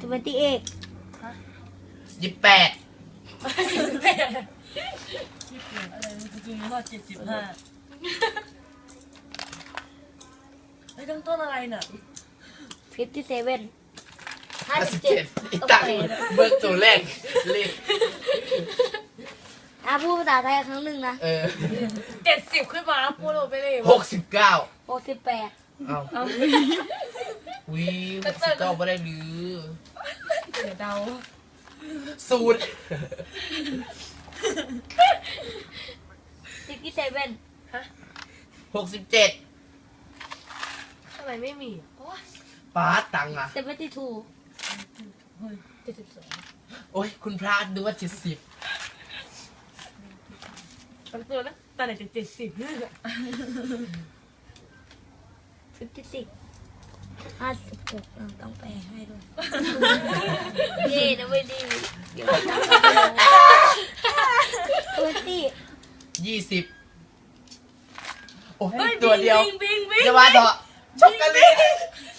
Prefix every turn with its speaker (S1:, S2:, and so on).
S1: 28
S2: 28
S3: อะไรเมื่อกี้ว่า75ไอ้ตั้งต้นอะไรน่ะ
S1: 57
S2: 57อีกตั้งเบิกตัวแรกเลข
S1: พูดภาษาไทยครั้งหนึ่งนะ
S3: 70ขึ้นมาแล้วพูดลงไปเลย
S2: 69
S1: 68
S2: เอาวิ69ไม่ได้หรือ
S3: เดี๋ยวเดา
S2: 0
S1: 67
S2: 67
S3: ทำไมไม่มี
S2: ป้าตังค์อ่ะ
S1: 72
S3: 72
S2: โอ้ยคุณพระดูว่า70
S3: ตั้งตัวนะตอนไหนจะ70
S1: 56 ต้องแปลให้ด้วยเย่นะไม่ดีเดี๋ยว
S2: 20โอ้ยตัวเดียว
S3: บิง
S2: จะว่าเถอะช็อกโกแลต